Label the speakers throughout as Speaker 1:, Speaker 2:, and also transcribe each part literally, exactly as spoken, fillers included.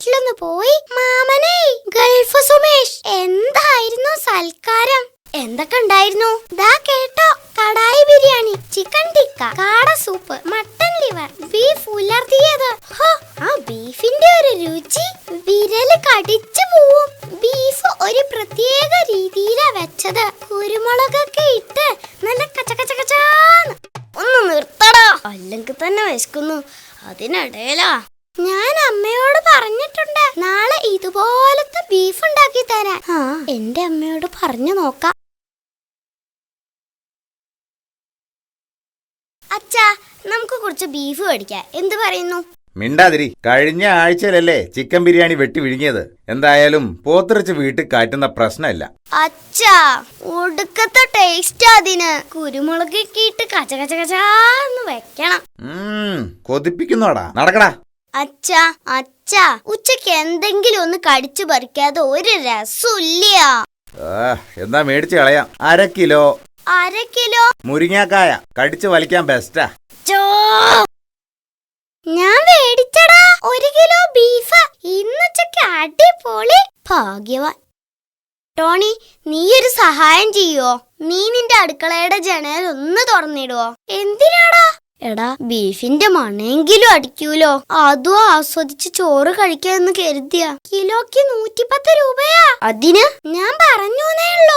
Speaker 1: വീട്ടിലൊന്ന് പോയി. മാമനെ, ഗൾഫ് സുമേഷ്, എന്തായിരുന്നു സൽക്കാരം? എന്തൊക്കെ ഉണ്ടായിരുന്നു? ദാ കേട്ടോ, കടായി ബിരിയാണി, ചിക്കൻ ടിക്ക, കാട സൂപ്പ്, മട്ടൻ ലിവർ, ബീഫ് ഉലർത്തിയത്. ആ ബീഫിന്റെ ഒരു രുചി വിരല് കടിച്ചു പോവും. ബീഫ് ഒരു പ്രത്യേക രീതിയിലാ വെച്ചത്. കുരുമുളകൊക്കെ ഇട്ട് നല്ല കച്ചകച്ചകച്ചാന്ന്. ഒന്ന് നിർത്തടാ, അല്ലെങ്കിൽ തന്നെ വിശക്കുന്നു. അതിനിടയിലാ ഞാൻ അമ്മയോട് പറഞ്ഞിട്ടുണ്ട് നാളെ ഇതുപോലത്തെ ബീഫ് ഉണ്ടാക്കി തരാൻ. ആ എന്റെ അമ്മയോട് പറഞ്ഞു നോക്കാം. അച്ഛാ, നമുക്ക് കുറച്ച് ബീഫ് മേടിക്കാം, എന്ത് പറയുന്നു?
Speaker 2: മിണ്ടാതിരി. കഴിഞ്ഞ ആഴ്ചയിലല്ലേ ചിക്കൻ ബിരിയാണി വെട്ടി വിഴുങ്ങിയത്. എന്തായാലും പോത്തിറച്ച് വീട്ടിൽ കാറ്റുന്ന പ്രശ്നമില്ല.
Speaker 1: അച്ഛാ, ഒടുക്കത്തെ ടേസ്റ്റ് അതിന്. കുരുമുളകൊക്കെ ഇട്ട് കച്ചകച്ചകച്ചാന്ന് വെക്കണം.
Speaker 2: കൊതിപ്പിക്കുന്നോടാ, നടക്കടാ.
Speaker 1: അച്ഛാ അച്ഛാ ഉച്ചക്ക് എന്തെങ്കിലും ഒന്ന് കടിച്ചു പറിക്കാതെ ഒരു രസമില്ല.
Speaker 2: എന്താ മേടിച്ചു കളയാം. അര കിലോ
Speaker 1: അര കിലോ
Speaker 2: മുരിങ്ങാക്കായ കടിച്ചു വലിക്കാൻ ബെസ്റ്റാ.
Speaker 1: ഞാൻ മേടിച്ചടാ ഒരു കിലോ ബീഫ്. ഇന്നുച്ചക്ക് അടിപൊളി. ഭാഗ്യവാൻ. ടോണി, നീ ഒരു സഹായം ചെയ്യോ? നീ നിന്റെ അടുക്കളയുടെ ജനൽ ഒന്ന് തുറന്നിടുവോ? എന്തിനാടാ? എടാ, ബീഫിന്റെ മണെങ്കിലും അടിക്കൂലോ. അതും ആസ്വദിച്ച് ചോറ് കഴിക്കാന്ന് കരുതിയ. കിലോക്ക് നൂറ്റിപ്പത്ത് രൂപയാ. അതിന് ഞാൻ പറഞ്ഞേ ഉള്ളൂ.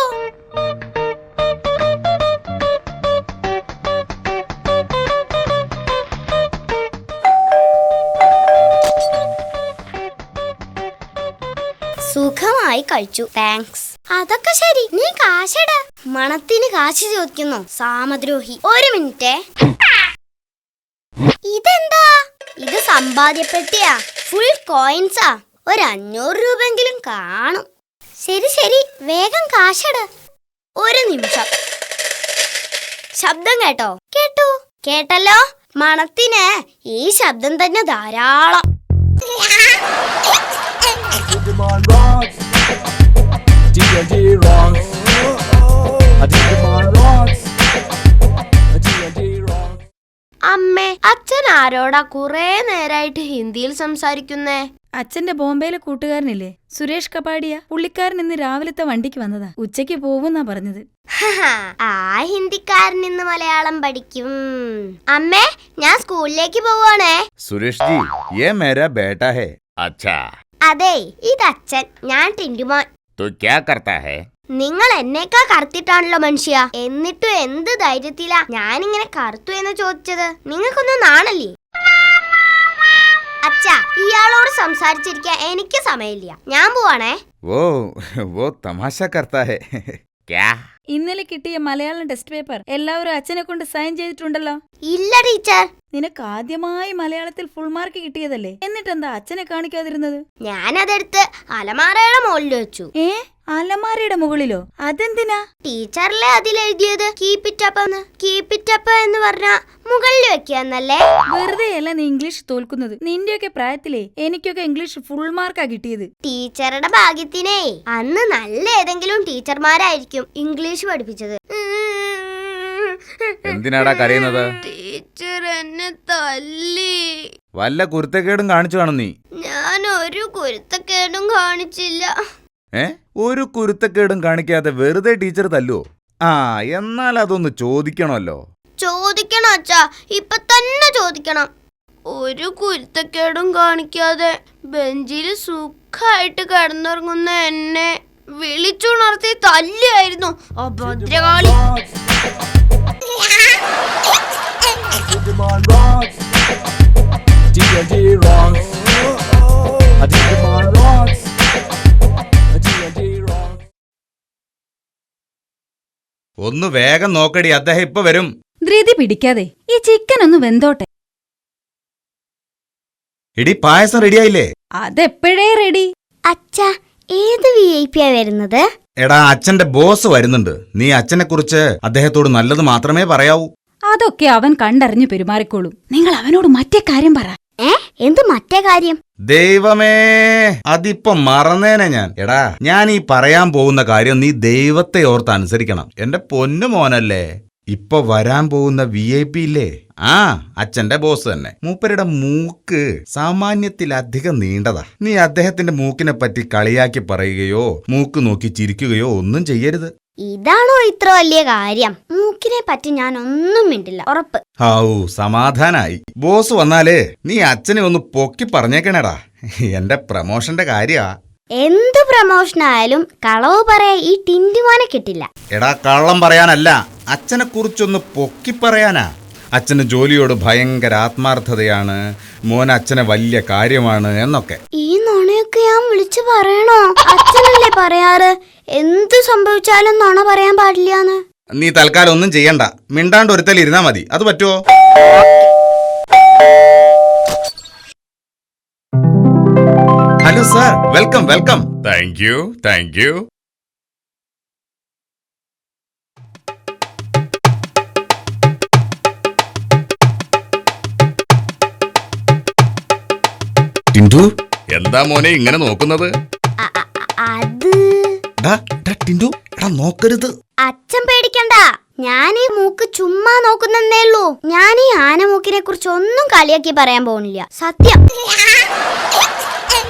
Speaker 1: സുഖമായി കഴിച്ചു, താങ്ക്സ്. അതൊക്കെ ശരി, നീ കാശിട. മണത്തിന് കാശ് ചോദിക്കുന്നു, സാമദ്രോഹി. ഒരു മിനിറ്റ്. ഇതെന്താ? ഇത് സമ്പാദ്യപ്പെട്ടിയാ, ഫുൾ കോയിൻസാ. ഒരു അഞ്ഞൂറ് രൂപെങ്കിലും കാണും. ശരി ശരി, വേഗം കാശിട. ഒരു നിമിഷം. ശബ്ദം കേട്ടോ? കേട്ടു. കേട്ടല്ലോ. മണത്തിന് ഈ ശബ്ദം തന്നെ ധാരാളം. അമ്മേ, അച്ഛൻ ആരോടാ കുറെ നേരായിട്ട് ഹിന്ദിയിൽ സംസാരിക്കുന്നേ?
Speaker 3: അച്ഛന്റെ ബോംബെയിലെ കൂട്ടുകാരനില്ലേ, സുരേഷ് കപാടിയ. പുള്ളിക്കാരൻ ഇന്ന് രാവിലത്തെ വണ്ടിക്ക് വന്നതാ. ഉച്ചയ്ക്ക് പോവുന്നാ പറഞ്ഞത്.
Speaker 1: ആ ഹിന്ദിക്കാരൻ ഇന്ന് മലയാളം പഠിക്കും. അമ്മേ, ഞാൻ സ്കൂളിലേക്ക് പോവാണേ.
Speaker 2: സുരേഷ് ജി, യേ മേരാ ബേട്ടാ ഹേ. അച്ഛാ.
Speaker 1: അതെ, ഇത് അച്ഛൻ, ഞാൻ ടിന്റുമോൻ.
Speaker 2: തോ ക്യാ കർത്താ ഹേ?
Speaker 1: നിങ്ങൾ എന്നേക്കാ കറുത്തിട്ടാണല്ലോ മനുഷ്യ. എന്നിട്ടും എന്ത് ധൈര്യത്തിലാ ഞാനിങ്ങനെ കറുത്തു എന്ന് ചോദിച്ചത്? നിങ്ങൾക്കൊന്നും നാണല്ലേ? അച്ഛാ, ഇയാളോട് സംസാരിച്ചിരിക്കാൻ എനിക്ക് സമയമില്ല. ഞാൻ പോവാണേ.
Speaker 2: വോ വോ തമാശ കർത്താ ഹേ. ക്യാ?
Speaker 3: ഇന്നലെ കിട്ടിയ മലയാളം ടെസ്റ്റ് പേപ്പർ എല്ലാവരും അച്ഛനെ കൊണ്ട് സൈൻ ചെയ്തിട്ടുണ്ടല്ലോ.
Speaker 1: ഇല്ല ടീച്ചർ.
Speaker 3: നിനക്ക് ആദ്യമായി മലയാളത്തിൽ ഫുൾ മാർക്ക് കിട്ടിയതല്ലേ, എന്നിട്ടെന്താ അച്ഛനെ കാണിക്കാതിരുന്നത്?
Speaker 1: ഞാനതെടുത്ത് അലമാരയുടെ മുകളിൽ വെച്ചു.
Speaker 3: ഏ, അലമാരയുടെ മുകളിലോ? അതെന്തിനാ?
Speaker 1: ടീച്ചറിലെ അതിലെഴുതിയത് കീപ് ഇറ്റ് അപ്പ് എന്ന്. കീപ് ഇറ്റ് അപ്പ് എന്ന് പറഞ്ഞ മുകളിൽ വെക്കാന്നല്ലേ?
Speaker 3: വെറുതെ അല്ല നീ ഇംഗ്ലീഷ് തോൽക്കുന്നത്. നിന്റെയൊക്കെ പ്രായത്തിലേ എനിക്കൊക്കെ ഇംഗ്ലീഷ് ഫുൾ മാർക്കാ കിട്ടിയത്.
Speaker 1: ടീച്ചറുടെ ഭാഗ്യത്തിനേ അന്ന് നല്ല ഏതെങ്കിലും ടീച്ചർമാരായിരിക്കും ഇംഗ്ലീഷ് പഠിപ്പിച്ചത്.
Speaker 2: എന്തിനാടാ കരയുന്നത്?
Speaker 1: ടീച്ചർ എന്നെ തല്ലി.
Speaker 2: വല്ല കുരുത്തക്കേടും കാണിച്ചു കാണും നീ?
Speaker 1: ഞാൻ ഒരു കുരുത്തക്കേടും കാണിച്ചില്ല.
Speaker 2: ഏ, ഒരു കുരുത്തക്കേടും കാണിക്കാതെ വെറുതെ ടീച്ചർ തല്ലുവോ? ആ, എന്നാൽ അതൊന്ന് ചോദിക്കണമല്ലോ.
Speaker 1: ചോദിക്കണം അച്ഛാ, ഇപ്പൊ തന്നെ ചോദിക്കണം. ഒരു കുരുത്തക്കേടും കാണിക്കാതെ ബെഞ്ചിൽ സുഖമായിട്ട് കിടന്നുറങ്ങുന്ന എന്നെ വിളിച്ചുണർത്തി തല്ലിയായിരുന്നു ആ ഭദ്രകാളി.
Speaker 2: ഒന്ന് വേഗം നോക്കടി, അദ്ദേഹം ഇപ്പൊ വരും.
Speaker 3: ധൃതി പിടിക്കാതെ ഈ ചിക്കൻ ഒന്ന് വെന്തോട്ടെ.
Speaker 2: ഇടി, പായസം റെഡിയായില്ലേ?
Speaker 3: അതെപ്പോഴേ റെഡി.
Speaker 1: അച്ഛാ, ഏത് വി ഐ പിയാ വരുന്നത്?
Speaker 2: എടാ, അച്ഛന്റെ ബോസ് വരുന്നുണ്ട്. നീ അച്ഛനെ കുറിച്ച് അദ്ദേഹത്തോട് നല്ലത് മാത്രമേ പറയാവൂ.
Speaker 3: അതൊക്കെ അവൻ കണ്ടറിഞ്ഞു പെരുമാറിക്കോളും. നിങ്ങൾ അവനോട് മറ്റേ കാര്യം പറ.
Speaker 1: ഏ, എന്ത് മറ്റേ കാര്യം?
Speaker 2: ദൈവമേ, അതിപ്പോ മറന്നേനെ ഞാൻ. എടാ, ഞാൻ ഈ പറയാൻ പോകുന്ന കാര്യം നീ ദൈവത്തെ ഓർത്ത് അനുസരിക്കണം. എന്റെ പൊന്നു മോനല്ലേ. ഇപ്പൊ വരാൻ പോകുന്ന വി ഐ പി ഇല്ലേ, ആ അച്ഛന്റെ ബോസ് തന്നെ. മൂപ്പരുടെ മൂക്ക് സാമാന്യത്തിലധികം നീണ്ടതാ. നീ അദ്ദേഹത്തിന്റെ മൂക്കിനെ പറ്റി കളിയാക്കി പറയുകയോ മൂക്ക് നോക്കി ചിരിക്കുകയോ ഒന്നും ചെയ്യരുത്.
Speaker 1: ഇതാണോ ഇത്ര വലിയ കാര്യം? മൂക്കിനെ പറ്റി ഞാൻ ഒന്നും മിണ്ടില്ല, ഉറപ്പ്.
Speaker 2: ഔ, സമാധാനായി. ബോസ് വന്നാലേ നീ അച്ഛനെ ഒന്ന് പൊക്കി പറഞ്ഞേക്കണേടാ. എന്റെ പ്രമോഷന്റെ കാര്യാ.
Speaker 1: എന്ത് പ്രമോഷനായാലും കളവ് പറയാ ഈ ടിൻറ്റുമോനെ കിട്ടില്ല.
Speaker 2: എടാ, കള്ളം പറയാനല്ല, അച്ഛനെ കുറിച്ചൊന്ന് പൊക്കി പറയാനാ. അച്ഛന് ജോലിയോട് ഭയങ്കര ആത്മാർത്ഥതയാണ്, മോൻ അച്ഛനെ വലിയ കാര്യമാണ് എന്നൊക്കെ.
Speaker 1: ഈ നുണയൊക്കെ ഞാൻ വിളിച്ചു പറയണോ? അച്ഛനല്ലേ പറയാറ് എന്ത് സംഭവിച്ചാലും നുണ പറയാൻ പാടില്ലാന്ന്.
Speaker 2: നീ തൽക്കാലം ഒന്നും ചെയ്യണ്ട, മിണ്ടാണ്ട് ഒരുത്തൽ ഇരുന്നാ മതി. അത് പറ്റുമോ? Hello sir, welcome welcome. Thank you thank you. Tindu, എന്താ മോനെ ഇങ്ങനെ നോക്കുന്നത്?
Speaker 1: അ- അ- അത്
Speaker 2: ഡാ, ഡാ ടിൻഡു, എടാ നോക്കരുത്.
Speaker 1: അച്ഛൻ പേടിക്കണ്ട, ഞാൻ ഈ മൂക്ക് ചുമ്മാ നോക്കുന്നേ ഉള്ളൂ. ഞാൻ ഈ ആനമൂക്കിനെ കുറിച്ച് ഒന്നും കളിയാക്കി പറയാൻ പോകുന്നില്ല, സത്യം.